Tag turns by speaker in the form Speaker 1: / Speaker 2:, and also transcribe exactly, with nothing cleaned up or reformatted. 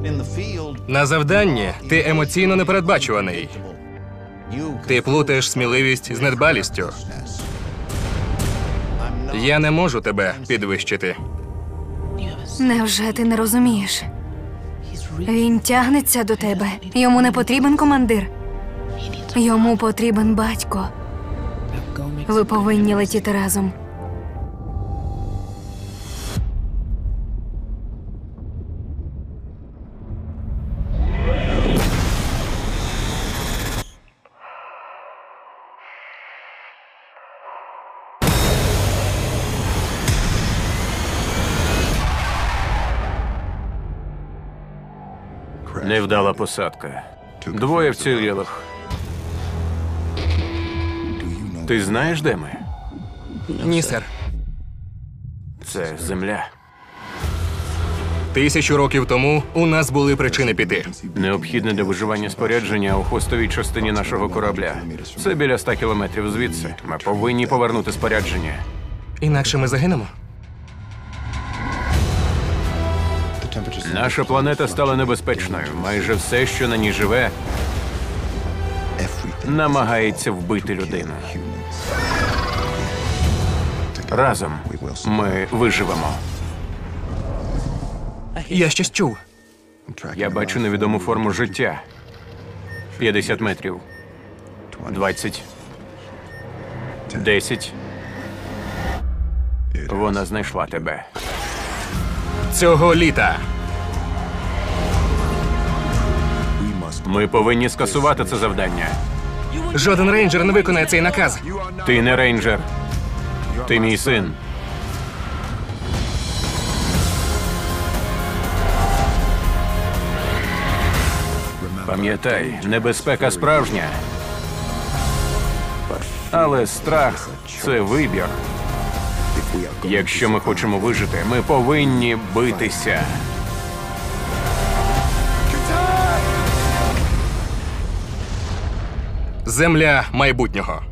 Speaker 1: На завданні ти емоційно непередбачуваний. Ти плутаєш сміливість з недбалістю. Я не можу тебе підвищити.
Speaker 2: Невже ти не розумієш? Він тягнеться до тебе. Йому не потрібен командир. Йому потрібен батько. Ви повинні летіти разом.
Speaker 3: Невдала посадка. Двоє вцілілих. Ти знаєш, де ми?
Speaker 1: Ні, сер.
Speaker 3: Це земля.
Speaker 1: Тисячу років тому у нас були причини піти.
Speaker 3: Необхідне для виживання спорядження у хвостовій частині нашого корабля. Це біля ста кілометрів звідси. Ми повинні повернути спорядження.
Speaker 1: Інакше ми загинемо.
Speaker 3: Наша планета стала небезпечною. Майже все, що на ній живе, намагається вбити людину. Разом ми виживемо.
Speaker 1: Я щось чув.
Speaker 3: Я бачу невідому форму життя. п'ятдесят метрів. двадцять. десять. Вона знайшла тебе.
Speaker 1: Цього літа.
Speaker 3: Ми повинні скасувати це завдання.
Speaker 1: Жоден рейнджер не виконає цей наказ.
Speaker 3: Ти не рейнджер. Ти мій син. Пам'ятай, небезпека справжня. Але страх – це вибір. Якщо ми хочемо вижити, ми повинні битися.
Speaker 1: Земля майбутнього.